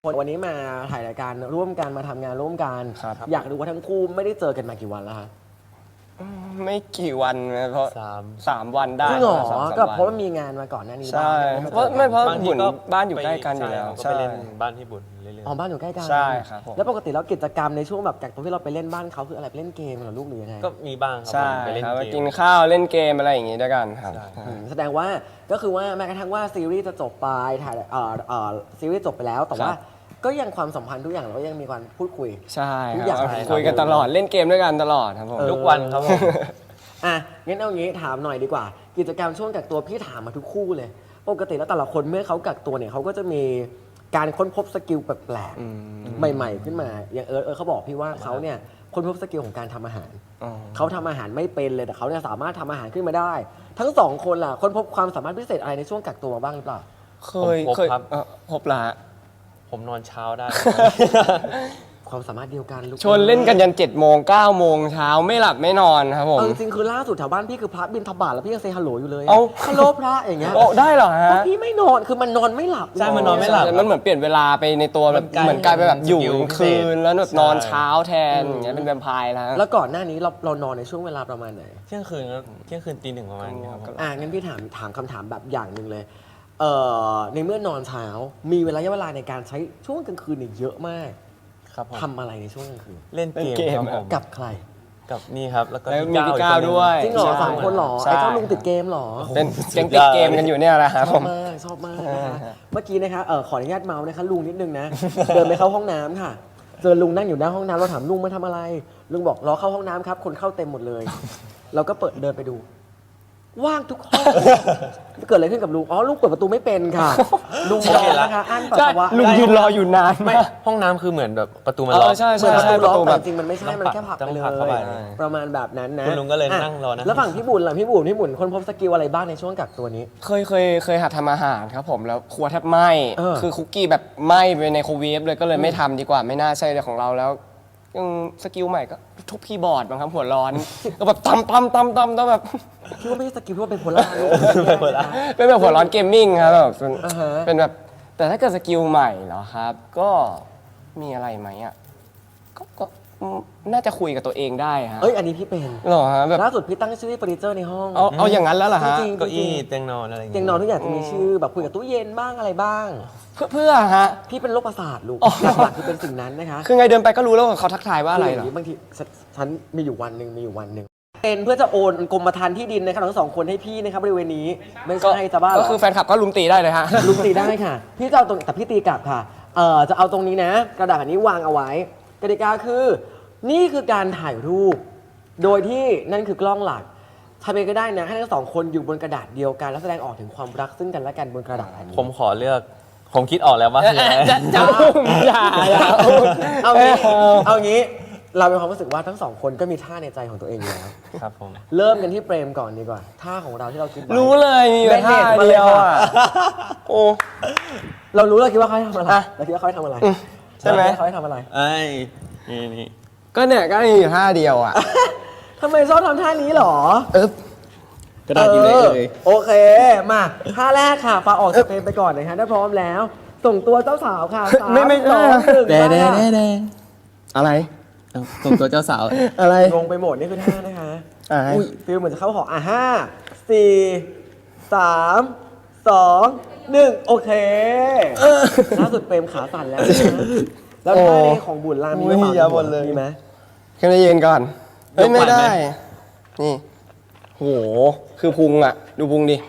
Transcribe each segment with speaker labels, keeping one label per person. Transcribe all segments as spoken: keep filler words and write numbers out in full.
Speaker 1: วันนี้มาถ่ายรายการร่วมกันมาทำงานร่วมกันอยากรู้ว่าทั้งคู่ไม่ได้เจอกันมากี่วันแล้วคะ
Speaker 2: ไม่กี่วันนะเพราะ
Speaker 3: สาม
Speaker 2: สามวันได้
Speaker 1: จริงเหรอก็เพราะว่ามีงานมาก่อนหน้านี้
Speaker 2: ใช่เพราะไม่เพราะบุญบ้านอยู่ใกล้กันอยู่แล้ว
Speaker 3: ก็ไปเล่นบ้านที่บุญเรื่อยๆ
Speaker 1: อ๋อบ้านอยู่ใกล้กัน
Speaker 2: ใช่ครับผม
Speaker 1: แล้วปกติแล้วกิจกรรมในช่วงแบบจากตรงที่เราไปเล่นบ้านเขาคืออะไรไปเล่นเกมเหรอลูกหรือยังไง
Speaker 3: ก็มีบ้างครั
Speaker 2: บใช่
Speaker 3: ไปเล่น
Speaker 2: ครับ
Speaker 3: เกม
Speaker 2: กินข้าวเล่นเกมอะไรอย่างงี้ด้วยกันครับ
Speaker 1: แสดงว่าก็คือว่าแม้กระทั่งว่าซีรีส์จะจบไปถ่ายเอ่อเอ่อซีรีส์จบไปแล้วแต่ว่าก็ยังความสัมพันธ์ทุกอย่างเราก็ยังมีการพูดคุย
Speaker 2: ใช่ครับคุยกันตลอดเล่นเกมด้วยกันตลอดครับผม
Speaker 3: ทุกวันครับผม
Speaker 1: อ่ะงั้นเอางี้ถามหน่อยดีกว่ากิจกรรมช่วงกักตัวพี่ถามมาทุกคู่เลยปกติแล้วแต่ละคนเมื่อเขากักตัวเนี่ยเขาก็จะมีการค้นพบสกิลแปลกๆใหม่ๆขึ้นมาอย่างเอิร์ธเอิร์ธเขาบอกพี่ว่าเขาเนี่ยค้นพบสกิลของการทำอาหารเขาทำอาหารไม่เป็นเลยแต่เขาเนี่ยสามารถทำอาหารขึ้นมาได้ทั้งสองคนล่ะค้นพบความสามารถพิเศษอะไรในช่วงกักตัวบ้างหรือเปล่า
Speaker 2: เคยเคยพบละ
Speaker 3: ผมนอนเช้าได้
Speaker 1: ความสามารถเดียวกันลูก
Speaker 2: ชวนเล่นกันยันเจ็ดโมงเก้าโมงเช้าไม่หลับไม่นอนครับผม
Speaker 1: จริงๆคือล่าสุดแถวบ้านพี่คือพระบินทบาทแล้วพี่ยังเซฮัลโหลอยู่เลยฮัลโหลพระอย่างเงี้ย
Speaker 2: โอ้ได้เหรอฮะ
Speaker 1: พี่ไม่นอนคือมันนอนไม่หลับ
Speaker 3: ใช่มันนอนไม่หลับ
Speaker 2: มันเหมือนเปลี่ยนเวลาไปในตัวแบบเหมือนกลายไปแบบอยู่คืนแล้วแบบนอนเช้าแทนอย่างเงี้ยเป็นแวมไพร์แล้ว
Speaker 1: แล้วก่อนหน้านี้เราเรานอนในช่วงเวลาประมาณไหน
Speaker 3: เที่ยงคืนเที่ยงคืนตีหนึ่งประมาณนี้ครับ
Speaker 1: อ่างั้นพี่ถามถามคำถามแบบอย่างหนึ่งเลยเอ่อในเมื่อนอนเช้ามีเวลาเวลาในการใช้ช่วงกลางคืนเนี่ยเยอะมากทำอะไรในช่วงกลางคืน
Speaker 3: เล่นเกมครับ
Speaker 1: กับใคร
Speaker 3: กับนี่ครับแล้วก็
Speaker 2: มีพี่ก้าวด้วย
Speaker 1: จริงเหรอสามคนหรอไอ้เจ้าลุงติดเกมหรอ
Speaker 2: เป็นแก๊งติดเกมกันอยู่เนี่ยแหละครับ
Speaker 1: ชอบมากชอบมากนะคะเมื่อกี้นะคะเออขออนุญาตเมาส์นะคะลุงนิดนึงนะเดินไปเข้าห้องน้ำค่ะเจอลุงนั่งอยู่หน้าห้องน้ำเราถามลุงมาทำอะไรลุงบอกรอเข้าห้องน้ำครับคนเข้าเต็มหมดเลยเราก็เปิดเดินไปดูว่างทุกห้องเกิดอะไรขึ้นกับลุงอ๋อลุงเปิดประตูไม่เป็นค่ะลุงรอนะคะอั้นปัสสาวะ
Speaker 2: ลุงยืนรออยู่นาน
Speaker 3: ไม่ห้องน้ำคือเหมือนแบบประตูมันล็อก
Speaker 2: ใช่
Speaker 1: ใช่
Speaker 2: ใช่
Speaker 1: ประตูแบบจริงมันไม่ใช่มันแค่ผลักไปเลยประมาณแบบนั้นนะ
Speaker 3: คุณลุงก็เลยนั่งรอนะ
Speaker 1: แล้วฝั่งพี่บุญล่ะพี่บุญพี่บุญคนพบสกิลอะไรบ้างในช่วงกักตัวนี้
Speaker 2: เคยเคยเคยหัดทำอาหารครับผมแล้วครัวแทบไหม้คือคุกกี้แบบไหม้ไปในโครเวฟเลยก็เลยไม่ทำดีกว่าไม่น่าใช่ของเราแล้วยังสกิลใหม่ก็ทุบคีย์บอร์ดบางครับหัวร้อนก็แบบตำตำตำตำต้องแบบ
Speaker 1: คิดว่าไม่ใช่สกิลที่ว่าเป็นโพล่า
Speaker 2: เป็นแบบหัวร้อนเกมมิ่งครับแบบเป็นแบบแต่ถ้าเกิดสกิลใหม่เหรอครับก็มีอะไรไหมอ่ะก็น่าจะคุยกับตัวเองได้ฮะ
Speaker 1: เอ้ยอันนี้พี่เป็น
Speaker 2: หรอฮะแบบ
Speaker 1: ล่าสุดพี่ตั้งชื่อเฟอร์นิเจอร์ในห้อง
Speaker 2: เอาเอาอย่างนั้นแล้วเหรอฮะ
Speaker 1: จริง
Speaker 3: เก้าอี้เตียงนอนอะไร
Speaker 1: เตียงนอนทุกอย่างจะมีชื่อแบบคุยกับตู้เย็นบ้างอะไรบ้าง
Speaker 2: เพื่อเพื่อฮะ
Speaker 1: พี่เป็นโรคประสาทลูกหลักๆคือเป็นสิ่งนั้นนะคะ
Speaker 2: คือไงเดินไปก็รู้แล้วว่าเขาทักทายว่าอะไรหร
Speaker 1: อบางทีฉันมีอยู่วันหนึ่งมีอยู่วันหนึ่งเป็นเพื่อจะโอนกรมธรรม์ที่ดินนะครับทั้งสองคนให้พี่นะครับบริเวณนี้ไม่ใช่จะบ้า
Speaker 2: ก็คือแฟนคลับก็ลุมตีได้เลยฮะ
Speaker 1: ลุมตีได้ค่ะพี่จะเอาตรงแต่พี่ตีกลับค่ะเอ่อจะเอาตรงนี้นะกระดาษนี้วางเอาไว้กติกาคือนี่คือการถ่ายรูปโดยที่นั่นคือกล้องหลักทำเองก็ได้นะให้ทั้งสองคนอยู่บนกระดาษเดียวกันแล้วแสดงออกถึงความรักซึ่งกันและกันบนกระดาษนี้
Speaker 3: ผมขอเลือกผมคิดออกแล้วว่า
Speaker 2: จะจะอย่าอย่า
Speaker 1: เอางี้เอางี้เรามีความรู้สึกว่าทั้งสองคนก็มีท่าในใจของตัวเองอยู่แล้ว
Speaker 3: ครับผม
Speaker 1: เริ่มกันที่เปรมก่อนดีกว่าท่าของเราที่เราคิดไว้
Speaker 2: รู้เลยมีท่าเดียวอ่ะโอ้
Speaker 1: เรารู้เราคิดว่าเขาทำอะไรเราคิดว่าเขาทำอะไร
Speaker 2: ใช่ไหม
Speaker 1: เขาทำอะไร
Speaker 3: ไอ้นี่นี่
Speaker 2: ก็เนี่ยก็มีท่าเดียวอ่ะ
Speaker 1: ทำไมชอบทำท่านี้หรอ
Speaker 2: เออ
Speaker 1: ก็ได้อยู่เลยโอเคมาท่าแรกค่ะฟ้าออกสเปนไปก่อนนะคะถ้าพร้อมแล้วส่งตัวเจ้าสาวค่ะ
Speaker 2: ไม่ไม่
Speaker 1: สองหนึ่ง
Speaker 2: แดแดแดอะไร
Speaker 3: ส่งตัวเจ้าสาว
Speaker 2: อะไร
Speaker 1: งงไปหมดนี่คือท่านะคะอุ้ยฟิลเหมือนจะเข้าหออ่ะห้าสี่สามสองหนึ่งโอเคล่าสุดเปรมขาสั่นแล้วแล้วท่านี้ของบุญลามี
Speaker 2: มียาบนเลย
Speaker 1: มีไหม
Speaker 2: ขึ้นไปยืนก่อนไม่ได้นี่โหคือพุงอ่ะดูพุงดิ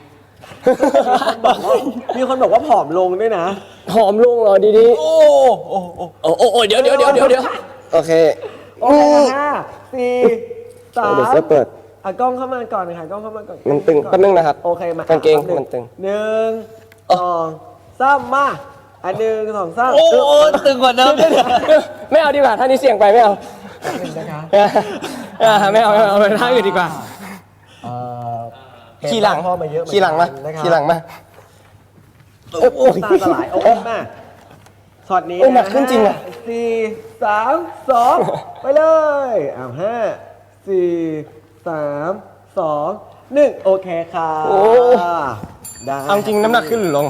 Speaker 1: มีคนบอกว่าผอมลงด้วยนะ
Speaker 2: ผอมลงเหรอดีๆ
Speaker 3: โอ้โอ้โอ้
Speaker 2: โอ้โอ้เดี๋ยวเดี๋ยวเดี๋ยวเดี๋ยวเดี๋ยวโอเค
Speaker 1: โอเคห้าสี่สาม
Speaker 2: เดี๋ยวจะเปิด
Speaker 1: อ่ะกล้องเข้ามาก่อนค่ะกล้องเข้ามาก่อน
Speaker 2: มันตึงแป๊บนึงนะครับ
Speaker 1: โอเคม
Speaker 2: ากางเกงมันตึง
Speaker 1: หนึ่งสองสามมาอันหนึ่งสองสาม
Speaker 3: โอ้ตึงกว่าเดิม
Speaker 2: ไม่เอาดีกว่าท่านี้เสี่ยงไปไม่เอาไม่เอาไม่เอาไปท่าอื่นดีกว่าขี่หลัง
Speaker 1: พ่อมาเยอะ
Speaker 2: ขี่หลังมาขี่หลังมา
Speaker 1: โอ้ตาสลายโอ้มาช็อตนี้
Speaker 2: หนักขึ้นจริงอ่ะ
Speaker 1: สี่สามสองไปเลยอ้าวห้าสี่สามสองหนึ่งโอเคค่ะ
Speaker 2: ได้เอาจริงน้ำหนักขึ้นหรือลง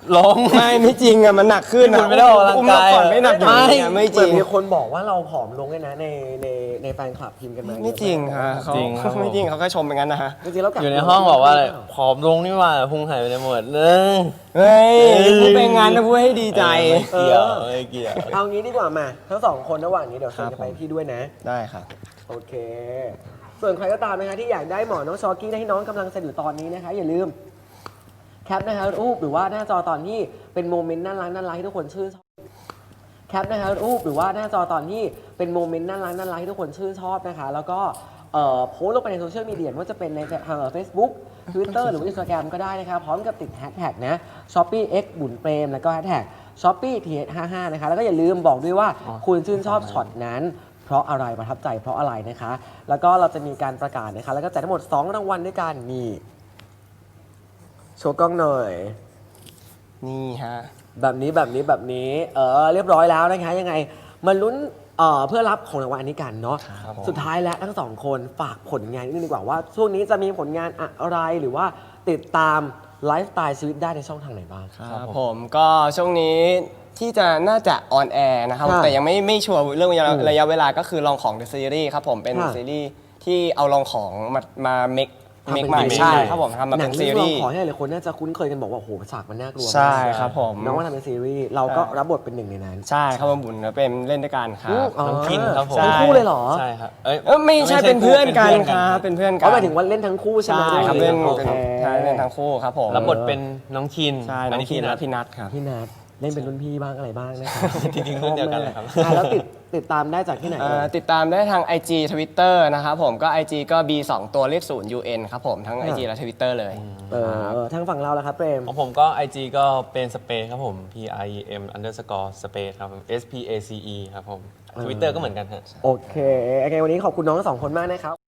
Speaker 3: ลง
Speaker 2: ไม่ไม่จริงอะมันหนักขึ้น
Speaker 3: คุณไม่ได้ออกกำลังกาย
Speaker 2: อุ้มเมื่อก่อนไม่หนักอย่างนี้อะไม่จ
Speaker 1: เหมื
Speaker 2: ริ
Speaker 1: อน
Speaker 2: ง
Speaker 1: มีคนบอกว่าเราผอมลงเลยนะในในในแฟนคลับพิมพ์กันมา
Speaker 2: ไม่จริงฮะเขา
Speaker 3: จริงครับผม
Speaker 2: ไม่จริงเขาแค่ชมเป็นงั้นนะฮะ
Speaker 1: จริงๆแล้วกัก
Speaker 3: อยู่ในห้องบอกว่าอะไรผอมลงนี่หว่าพุงหายไปในหมดเลย
Speaker 2: เฮ้ยพูดเป็นงั้นนะพูดให้ดีใจ
Speaker 3: ไม่เกี่ยวไม่เกี่ยว
Speaker 1: เอางี้ดีกว่ามาทั้งสองคนระหว่างนี้เดี๋ยวเชิญ
Speaker 2: ครับ
Speaker 1: จะไป
Speaker 2: ผม
Speaker 1: พี่ด้วยนะ
Speaker 2: ได้ค่ะ
Speaker 1: โอเค ส่วนใครก็ตามนะคะที่อยากได้หมอน้องชอกี้ที่น้องกำลังเสนอตอนนี้นะคะ อย่าลืมแคปนะคะรูปหรือว่าหน้าจอตอนที่เป็นโมเมนต์น่ารักน่ารักที่ทุกคนชื่นชอบแคปนะคะรูปหรือว่าหน้าจอตอนที่เป็นโมเมนต์น่ารักน่ารักที่ทุกคนชื่นชอบนะคะ แล้วก็เอ่อโพสต์ลงไปในโซเชียลมีเดียว่าจะเป็นในทางเฟซบุ๊กทวิตเตอร์หรือว่าอินสตาแกรมก็ได้นะคะพร้อมกับติดแฮชแท็กนะ ช้อปปี้ เอ็กซ์ บุญเปรมแล้วก็แฮชแท็ก ช้อปปี้ ที เอช ห้าห้า นะคะแล้วก็อย่าลืมบอกด้วยว่าคุณชื่นชอบช็อตนั้น เพราะอะไรประทับใจเพราะอะไรนะคะ แล้วก็เราจะมีการประกาศนะคะ แล้วก็แจกทั้งหมดสองรางวัลด้วยกันนี่โชว์กล้องหน่อย
Speaker 2: นี่ฮะ
Speaker 1: แบบนี้แบบนี้แบบนี้เออเรียบร้อยแล้วนะคะยังไงมาลุ้นเอ่อเพื่อรับของรางวัลอันนี้กันเนาะ
Speaker 2: ครับผม
Speaker 1: สุดท้ายแล้วทั้งสองคนฝากผลงานนิดนึงดีกว่าว่า ช่วงนี้จะมีผลงานอะไรหรือว่าติดตามไลฟ์สไตล์ชีวิตได้ในช่องทางไหนบ้าง
Speaker 2: ครับผมก็ช่วงนี้ที่จะน่าจะออนแอร์นะครับ
Speaker 1: ค่ะ
Speaker 2: แต่ยังไม่ไม่ชัวร์เรื่องระยะ
Speaker 1: อืม
Speaker 2: ระยะเวลาก็คือลองของ The Series ครับผมเป็น
Speaker 1: ค่ะ
Speaker 2: ซีรีส์ที่เอาลองของมามาเมค
Speaker 1: ทำ
Speaker 2: เม
Speaker 1: เป็
Speaker 2: คน ใหม่
Speaker 1: ซีรีส์
Speaker 2: ใช่ครับผมทำมา
Speaker 1: หนั
Speaker 2: เป็
Speaker 1: ง
Speaker 2: น
Speaker 1: เรื่
Speaker 2: ซี
Speaker 1: อง
Speaker 2: รี
Speaker 1: เรา
Speaker 2: ส์
Speaker 1: ขอให้หลายคนน่าจะคุ้นเคยกันบอกว่าโอ้โหฉากมันน่ากลัวมาก
Speaker 2: ใช่ครับผม
Speaker 1: น้องว่าทำเป็นซีรีส์เราก็รับบทเป็นหนึ่งในนั้น
Speaker 2: ใช่ครับผมบุญเป็นเล่นด้วยกันครับ
Speaker 1: อ๋อ
Speaker 3: น้องคินครับผม
Speaker 1: ทั้งคู่เลยเหรอ
Speaker 3: ใช่ครับเอ้ย
Speaker 2: เอ้ยไม่ใช่เป็นเพื่อนกัน
Speaker 3: เป็น
Speaker 2: ค
Speaker 3: เพื่อน
Speaker 2: รับเป็นเพื่อนกั
Speaker 1: เขา
Speaker 2: น
Speaker 1: หมายถึงว่าเล่นทั้งคู่ใช่ไหม
Speaker 2: ใช่ครับเล่น
Speaker 1: โอ
Speaker 2: เป็น
Speaker 1: เค
Speaker 2: ใช่เล่นทั้งคู่ครับผม
Speaker 3: รับบทเป็นน้องคิน
Speaker 2: ใช่น้องคินและพี่นัทครับ
Speaker 1: พี่นัทเล่นเป็นรุ่นพี่บ้างอะไรบ้างนะครับ
Speaker 3: จริงๆรุ่นเดียวกันเลยครับ
Speaker 1: อ่ะแล้วติดติดตามได้จากที่ไหน
Speaker 2: เอ่
Speaker 1: เอ่
Speaker 2: อย ติดตามได้ทาง ไอ จี Twitter นะครับผมก็ ไอ จี ก็ บี สอง ตัวเลขศูนย์ ยู เอ็น ครับผมทั้ง ไอ จี และ Twitter เลย
Speaker 1: เออทางฝั่งเราล่ะครับเปรม
Speaker 3: ของผมก็ ไอ จี ก็เป็นสเปซครับผม P I E M underscore space ครับผม S P A C E ครับผม Twitter ก็เหมือนกันฮะ
Speaker 1: โอเคโอเค วันนี้ขอบคุณน้องทั้งสองคนมากนะครับ